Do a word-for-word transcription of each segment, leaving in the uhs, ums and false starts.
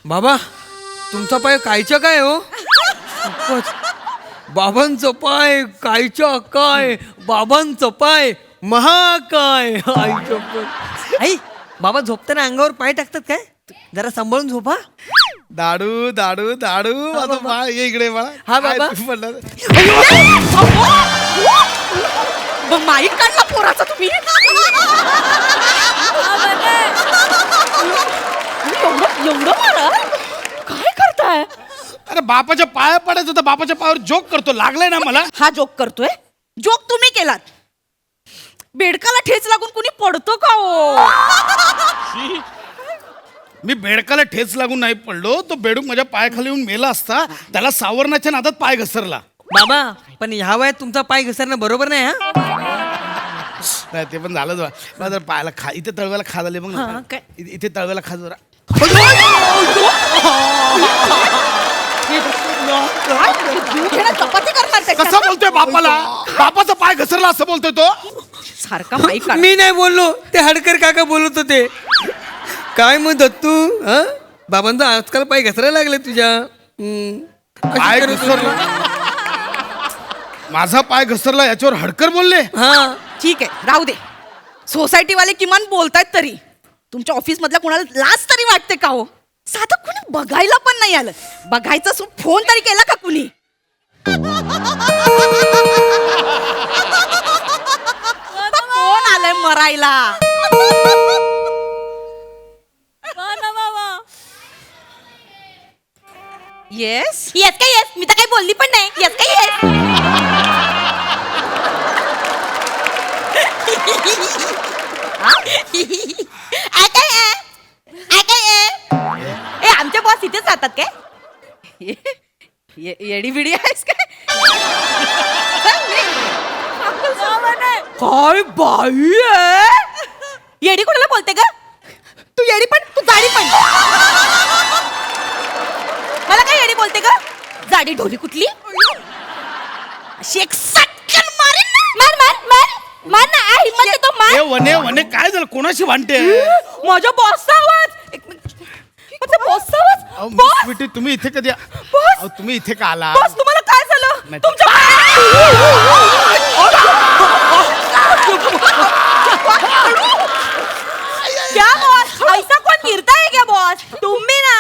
बाबा तुमचा पाय कायच्या काय हो? बाबांचं पाय कायच्या काय, बाबांचं पाय महाकाय. आईच्या आई बाबा झोपताना अंगावर पाय टाकतात काय? जरा सांभाळून झोपा. दाडू दाडू दाडू माझा बाळ ये इकडे बाळा. हा बाबा. माईक काढला पोराचा तुम्ही. एवढं एवढं मारा काय करताय? अरे बापाच्या पाया पडायचं तर बापाच्या पायावर जोक करतो. लागलाय ना मला. हा जोक करतोय. जोक तुम्ही केलात. बेडकाला ठेच लागून कुणी पडतो का हो? मी बेडकाला ठेच लागून नाही पडलो. तो बेडूक माझ्या पायाखाली येऊन मेला असता. त्याला सावरण्याच्या नादात पाय घसरला. बाबा पण ह्या वयात तुमचा पाय घसरणं बरोबर नाही. हा नाही ते पण झालं जरा. मला जरा पायाला खा. इथे तळव्याला खा झाले मग हा, काय? इथे इथे तळव्याला खा जरा. चपाती करणार कसा त्याच्यात? बोलतोय बापाला? बापाचा पाय घसरला असं बोलतोय तो. सारखा माईक काढ. मी नाही बोललो, ते हडकर काका बोलत होते. काय मग दत्तू हा बाबांचा आजकाल पाय घसरायला लागले तुझ्या. हम्म. अशी पाय करत होती. घसरला. माझा पाय घसरला याच्यावर हडकर बोलले. हा ठीक आहे राहू दे. सोसायटी वाले किमान बोलतायत तरी. तुमच्या ऑफिस मधल्या कोणाला लाज तरी वाटते का हो? साधं कुणी बघायला पण नाही आलं. बघायचा सो फोन तरी केला का कुणी? कोण आलंय मरायला? येस येस काय येस, मी तर काही बोलली पण नाही. येस काय येस. आय काय आहे? आय काय आहे? ए आमचे बॉस इथेच राहतात काय? येडी बिडी आहेस काय? काय बाई आहे? येडी कोणाला बोलते ग? तू येडी पण तू जाडी पण. मला काय येडी बोलते ग? जाडी ढोली कुठली? अशी एक सटकन मारेन ना. मार मार मार मार ना. आ, हिम्मत आहे तो मार. ए वने वने काय झालं? कोणाशी भांडते? माझ्या बॉसचा आवाज. एक मिनिट. माझ्या बॉसचा आवाज. अहो, मिस बॉस स्वीटी, तुम्ही इथे कधी बॉस अहो, तुम्ही इथे का आला? बॉस तुम्हाला काय झालं? नाही. तुमच्या क्या बॉस? ऐसा कौन गिरता है क्या बॉस? तुम भी ना.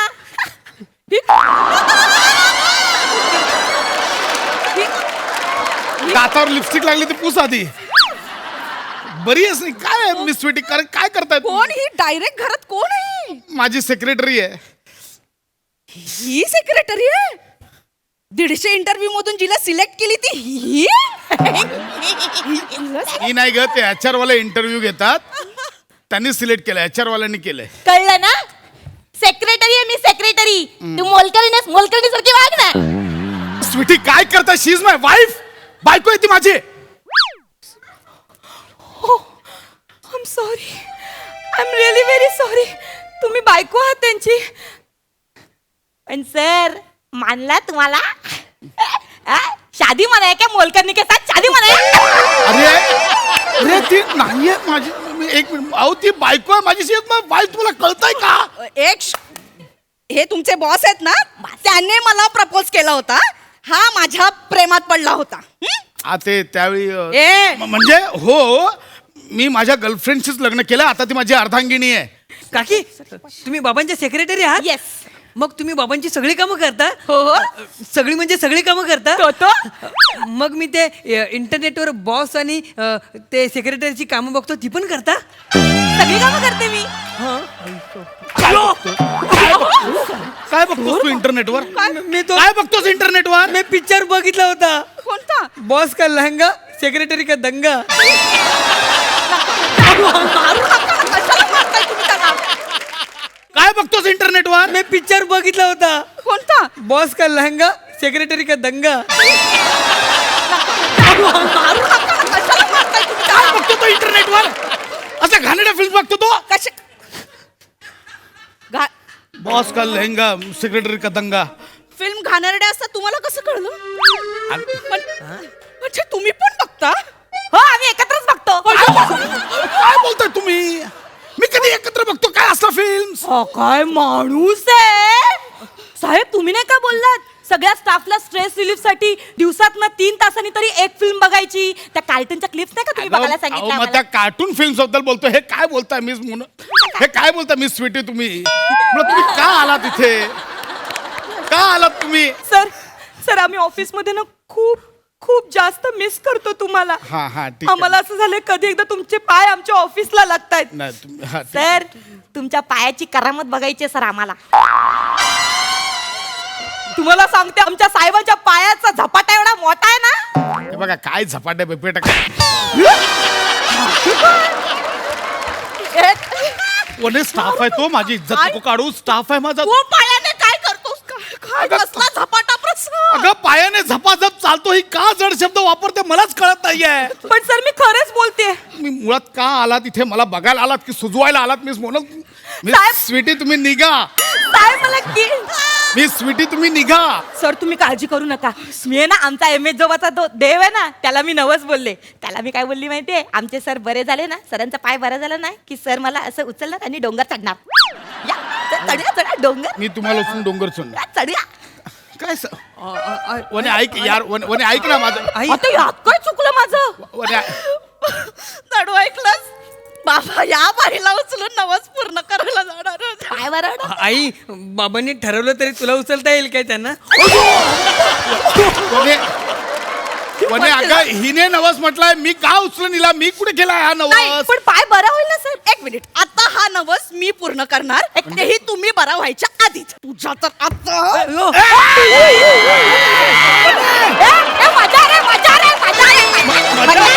दातावर लिपस्टिक लागली तर पुस आधी. बरी आहेस नाही? काय आहे मिस स्वीटी? काय काय करताय तुम्ही? कोण ही डायरेक्ट घरात कोण आहे? माझी सेक्रेटरी आहे. ही सेक्रेटरी आहे. दीडशे इंटरव्ह्यू मधून जिला सिलेक्ट केली ती ही. ही नाही ग, ते एच आर वाले इंटरव्ह्यू घेतात. त्यांनी सिलेक्ट केलं. एच आर वाल्यांनी केलंय. कळलं ना? सेक्रेटरी आहे मी सेक्रेटरी. तू मोलकरीने मोलकरी सारखी वाग ना. स्वीटी काय करताय? She is my wife. बायको आहे ती माझी. I am sorry. I am really very sorry. तुम्ही बायको आहात त्यांची. पण सर मानला तुम्हाला? आ? शादी मनाय क्या मोलकरनी के साथ शादी मनाय? अरे अरे ती नाहीये माझी. मी- एक मिनिट. अहो ती बायको आहे माझी. She is my wife. तुला कळतंय का? एक श- हे तुमचे बॉस आहेत ना, त्याने मला प्रपोज केला होता. हा माझ्या प्रेमात पडला होता. हं? आ ते त्यावेळी अ, ए म- म्हणजे हो मी माझ्या गर्लफ्रेंडशीच लग्न केलं. आता ती माझी अर्धांगिनी आहे. काकी तुम्ही बाबांचे सेक्रेटरी आहात? येस. मग तुम्ही बाबांची सगळी कामं करता? हो. सगळी म्हणजे सगळी कामं करता? तो तो. मग मी ते अ, इंटरनेटवर बॉस आणि अ, ते सेक्रेटरीची कामं बघतो, ती पण करता? सगळी कामं करते मी. काय बघतोय? काय बघतोस तू इंटरनेटवर? मी तो काय बघतोस इंटरनेटवर? मी पिक्चर बघितला होता. कोणता? बॉस का लहंगा सेक्रेटरी का दंगा. मारू नका. कशाला मारताय तुम्ही त्याला? काय बघतोस इंटरनेटवर? मी पिक्चर बघितला होता. कोणता? बॉस का लहंगा सेक्रेटरी का दंगा. मारू नका. कशाला मारताय तुम्ही काय त्याला? बघतो तो इंटरनेटवर? असं घाणेरड्या फिल्म बघतो तो? कशा घा- बॉस का लहंगा सेक्रेटरी का दंगा. फिल्म घाणेरड्या असतात तुम्हाला कसं कळलं? अरे, पण- म्हणजे तुम्ही पण बघता? हो आम्ही एकत्रच बघतो. काय बोलताय तुम्ही? मी कधी एकत्र बघतो काय असला फिल्म? काय माणूस आहे. साहेब तुम्ही नाही का बोललात सगळ्या स्टाफला स्ट्रेस रिलीफ साठी दिवसात ना तीन तासांनी तरी एक फिल्म बघायची. त्या कार्टूनच्या क्लिप्स नाही का तुम्ही बघायला अहो, सांगितलं मग आम्हाला? त्या कार्टून फिल्म बद्दल बोलतो. हे काय बोलताय मिस म्हणून? हे काय बोलता मिस स्वीटी तुम्ही? मग तुम्ही का आलात इथे? का आलात तुम्ही? सर सर आम्ही ऑफिसमध्ये ना खूप खूप जास्त मिस करतो तुम्हाला. हा हा ठीक आहे. आम्हाला असं झालंय कधी एकदा तुमचे पाय आमच्या ऑफिसला लागतायत. नाही तुम्ही- हा, ठीक. सर तुमच्या पायाची करामत बघायची आहे, सर आम्हाला. तुम्हाला सांगते आमच्या साहेबांच्या पायाचा झपाटा एवढा मोठा आहे ना. हे बघा काय झपाटे बिपेट कोणी स्टाफ आहे तो. माझी इज्जत नको काढू. स्टाफ आहे माझा. तू पायाने काय करतोस? काय- काय अगं, कसला झपाटा प्रश्न? अगं पायाने झपाझप चालतो. ही का जड शब्द वापरते मलाच कळत नाहीये. पण सर मी खरंच बोलते. मी मुळात का आलात इथे? मला बघायला आलात की सुजवायला आलात? मिस म्हणून मिस साहेब. स्वीटी तुम्ही निघा. साहेब मला की मिस स्वीटी तुम्ही निघा. सर तुम्ही काळजी करू नका. मी आहे ना आमचा एम एस जोबाचा तो देव आहे ना त्याला मी नवस बोलले. त्याला मी काय बोलली माहितीये? आमचे सर बरे झाले ना, सरांचा पाय बरा झाला ना की सर मला असं उचलणार आणि डोंगर चढणार. या, च- चढूया चढा डोंगर. मी तुम्हाला उचलून डोंगर चढणार. या, चढूया. काय स- अ, अ, अ, वने ऐक यार. वने वने ऐक ना माझं. आई आता यात काय चुकलं माझं? वने ऐ- नडू ऐकलंस? बाबा या बाईला उचलून नवस पूर्ण करायला जाणार होते. पाय बरं आई बाबांनी ठरवलं तरी तुला उचलता येईल काय त्यांना? वने वने अगं हिने नवस म्हटलाय. मी का उचलून हिला? मी कुठे केलाय हा नाही, नवस? पण पाय बरा होईल ना सर. एक मिनिट. आता हा नवस मी पूर्ण करणार. तेही तुम्ही बरा व्हायच्या आधीच. तुझ्या तर आता अयो, ए, ए, मजा रे मजा रे मजा रे. मजा